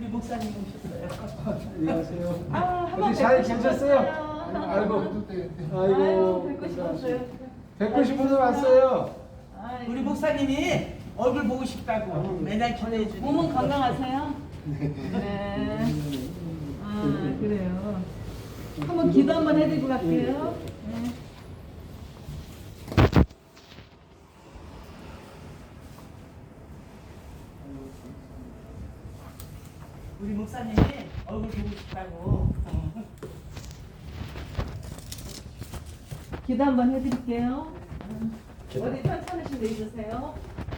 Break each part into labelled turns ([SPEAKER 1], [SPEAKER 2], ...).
[SPEAKER 1] 우리 목사님 오셨어요.
[SPEAKER 2] 안녕하세요.
[SPEAKER 1] 한번
[SPEAKER 2] 어디 잘
[SPEAKER 1] 뵙고
[SPEAKER 2] 계셨어요?
[SPEAKER 1] 싶었어요.
[SPEAKER 2] 아이고,
[SPEAKER 1] 뵙고 싶었어요.
[SPEAKER 2] 뵙고 싶어서 왔어요.
[SPEAKER 1] 우리 목사님이 얼굴 보고 싶다고 매달 기도해 주니.
[SPEAKER 3] 몸은 건강하세요? 네. 아, 그래요. 한번 기도 한번 해드리고 갈게요. 네.
[SPEAKER 1] 우리 목사님이 얼굴 보고 싶다고.
[SPEAKER 3] 기도 한번 해드릴게요. 어디 편찮으신 데 있으세요?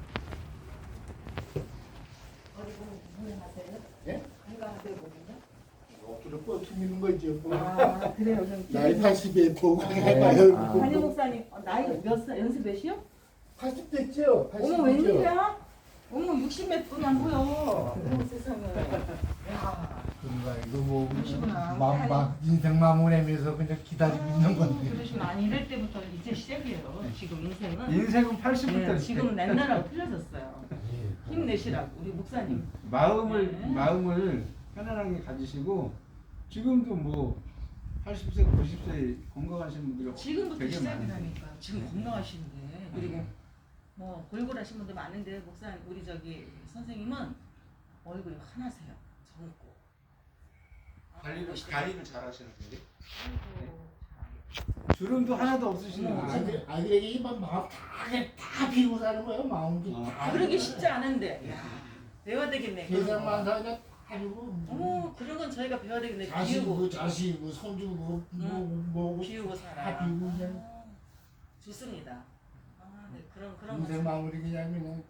[SPEAKER 3] 어디 건강하세요?
[SPEAKER 4] 예?
[SPEAKER 3] 건강하세요, 보면요?
[SPEAKER 4] 엎드려 뻗치는 거죠.
[SPEAKER 3] 아, 그래요. 그럼
[SPEAKER 4] 나이
[SPEAKER 3] 기도
[SPEAKER 4] 80에 보고 해봐요.
[SPEAKER 3] 담임 목사님 나이 몇 살? 연세 몇이요?
[SPEAKER 4] 80 됐죠? 80
[SPEAKER 3] 어머
[SPEAKER 4] 됐죠?
[SPEAKER 3] 웬일이야? 어머 60몇 분이 안 보여. 어머 세상에. 야.
[SPEAKER 4] 그런가 이거 뭐
[SPEAKER 3] 그러시구나.
[SPEAKER 4] 인생 마무리하면서 그냥 기다리고 있는 건데.
[SPEAKER 3] 그러시면 아니 이럴 때부터 이제 시작이에요. 지금 인생은.
[SPEAKER 2] 인생은 80부터
[SPEAKER 3] 네, 지금 옛날하고 틀려졌어요. 힘내시라고 우리 목사님.
[SPEAKER 2] 마음을
[SPEAKER 3] 네.
[SPEAKER 2] 마음을 편안하게 가지시고 지금도 뭐 80세, 90세 건강하신 분들이
[SPEAKER 3] 지금부터
[SPEAKER 2] 되게
[SPEAKER 3] 시작이라니까. 지금
[SPEAKER 2] 네.
[SPEAKER 3] 건강하시는데 그리고 뭐 골골하신 분들 많은데 목사님 우리 저기 선생님은 얼굴이 환하세요. 젊고.
[SPEAKER 2] 관리를 잘 하시는 분이
[SPEAKER 3] 아이고.
[SPEAKER 2] 주름도 하나도 없으시는
[SPEAKER 3] 어,
[SPEAKER 2] 분이
[SPEAKER 4] 아기에게 이만 마음 다 비우고 사는 거예요. 마음도 다.
[SPEAKER 3] 그러기 쉽지 않은데. 야, 배워야 되겠네. 그런 거.
[SPEAKER 4] 세상만 사냐 다 비우고.
[SPEAKER 3] 어머 그런 건 저희가 배워야 되겠네.
[SPEAKER 4] 자식이고 자식이고 손주고 뭐고
[SPEAKER 3] 비우고
[SPEAKER 4] 다
[SPEAKER 3] 살아.
[SPEAKER 4] 비우고 그냥
[SPEAKER 3] 좋습니다. 아, 네 그런
[SPEAKER 4] 인생
[SPEAKER 3] 거.
[SPEAKER 4] 마무리 그냥
[SPEAKER 3] 네.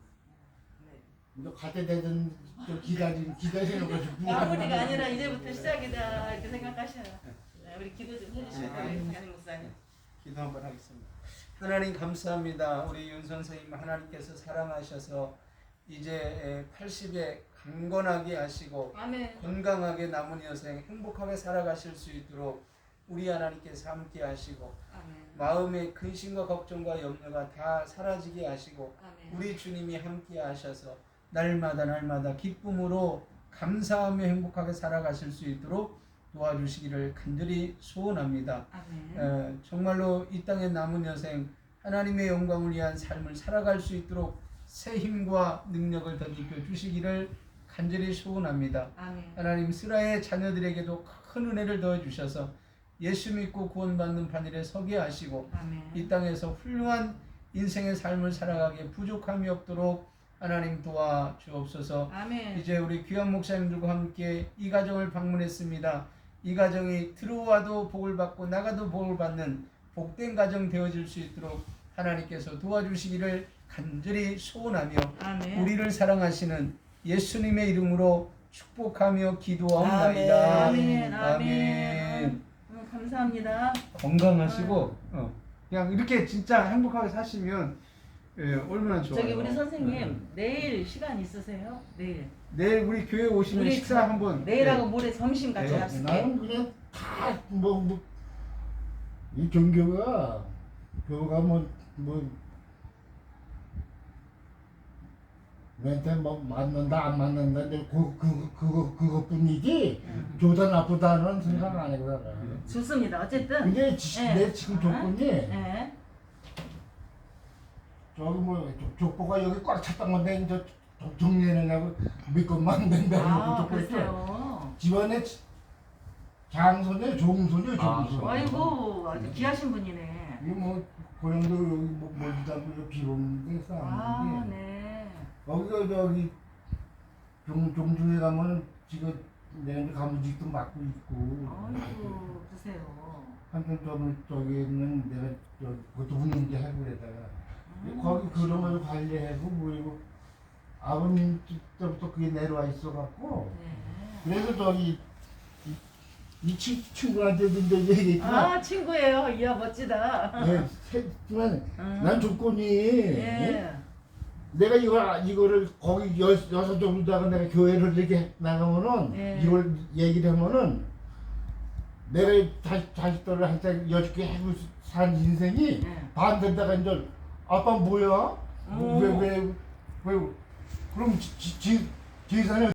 [SPEAKER 4] 너 갈때 되든 또 기다리는 거지.
[SPEAKER 3] 마무리가 아니라 이제부터 시작이다 이렇게 생각하셔요. 네, 우리 기도 좀 해주시고 담임 목사님.
[SPEAKER 2] 기도 한번 하겠습니다. 하나님 감사합니다. 우리 윤 선생님 하나님께서 사랑하셔서 이제 80에 강건하게 하시고
[SPEAKER 3] 아멘.
[SPEAKER 2] 건강하게 남은 여생 행복하게 살아가실 수 있도록 우리 하나님께서 함께 하시고
[SPEAKER 3] 아멘.
[SPEAKER 2] 마음의 근심과 걱정과 염려가 다 사라지게 하시고
[SPEAKER 3] 아멘.
[SPEAKER 2] 우리 주님이 함께 하셔서 날마다 기쁨으로 감사하며 행복하게 살아가실 수 있도록 도와주시기를 간절히 소원합니다.
[SPEAKER 3] 아멘.
[SPEAKER 2] 정말로 이 땅에 남은 여생 하나님의 영광을 위한 삶을 살아갈 수 있도록 새 힘과 능력을 덧입혀 주시기를 간절히 소원합니다.
[SPEAKER 3] 아멘.
[SPEAKER 2] 하나님 스라의 자녀들에게도 큰 은혜를 더해 주셔서 예수 믿고 구원받는 반일에 서게 하시고
[SPEAKER 3] 아멘.
[SPEAKER 2] 이 땅에서 훌륭한 인생의 삶을 살아가기에 부족함이 없도록 하나님 도와 주옵소서.
[SPEAKER 3] 아멘.
[SPEAKER 2] 이제 우리 귀한 목사님들과 함께 이 가정을 방문했습니다. 이 가정이 들어와도 복을 받고 나가도 복을 받는 복된 가정 되어질 수 있도록 하나님께서 도와주시기를 간절히 소원하며
[SPEAKER 3] 아멘.
[SPEAKER 2] 우리를 사랑하시는 예수님의 이름으로 축복하며 기도하옵나이다.
[SPEAKER 3] 아멘. 아멘.
[SPEAKER 2] 아멘.
[SPEAKER 3] 감사합니다.
[SPEAKER 2] 건강하시고 그냥 이렇게 진짜 행복하게 사시면 얼마나 좋아요.
[SPEAKER 3] 저기 우리 선생님 내일 시간 있으세요? 내일.
[SPEAKER 2] 내일 우리 교회 오시면
[SPEAKER 3] 우리
[SPEAKER 2] 식사 한번
[SPEAKER 3] 내일하고 모레 점심 같이
[SPEAKER 2] 네.
[SPEAKER 3] 합시다.
[SPEAKER 4] 나는 그냥 이 종교가 멘트 맞는다 안 맞는다 근데 그것뿐이지 좋다 나쁘다는 생각 안 해요.
[SPEAKER 3] 좋습니다. 어쨌든.
[SPEAKER 4] 근데
[SPEAKER 3] 네.
[SPEAKER 4] 내 지금 조건이
[SPEAKER 3] 네.
[SPEAKER 4] 저기 족보가 여기 꽉 찼던 건데 이제 정리해내려고 믿고만 된다고
[SPEAKER 3] 아,
[SPEAKER 4] 족보 있어.
[SPEAKER 3] 그러세요.
[SPEAKER 4] 집안에 장손이에요, 종손이에요, 종손.
[SPEAKER 3] 아이고 아주 귀하신 분이네.
[SPEAKER 4] 이거 뭐 고향도 여기 멀지도 않고 비로운데
[SPEAKER 3] 아,
[SPEAKER 4] 싸는데
[SPEAKER 3] 네.
[SPEAKER 4] 거기가 저기 종주에 가면은 지금 내가 가무직도 맡고 있고
[SPEAKER 3] 아이고 그러세요.
[SPEAKER 4] 한편 저기는 내가 그것도 분위기 하고 그러다가 거기 그런 걸 관리하고 뭐이고 아버님 때부터 그게 내려와 있어갖고
[SPEAKER 3] 네.
[SPEAKER 4] 그래서 저기 이 친구한테도 이제 얘기했지만
[SPEAKER 3] 아 친구예요. 이야 멋지다.
[SPEAKER 4] 네, 했지만 난 조건이
[SPEAKER 3] 예.
[SPEAKER 4] 내가 이거를 거기 여섯 정도다가 내가 교회를 이렇게 나가면은
[SPEAKER 3] 예.
[SPEAKER 4] 이걸 얘기를 하면은 내가 자식들을 한테 여쭙게 하고 산 인생이
[SPEAKER 3] 예.
[SPEAKER 4] 반대다가 이제 아빠 뭐야?
[SPEAKER 3] 오.
[SPEAKER 4] 왜 그럼 지산에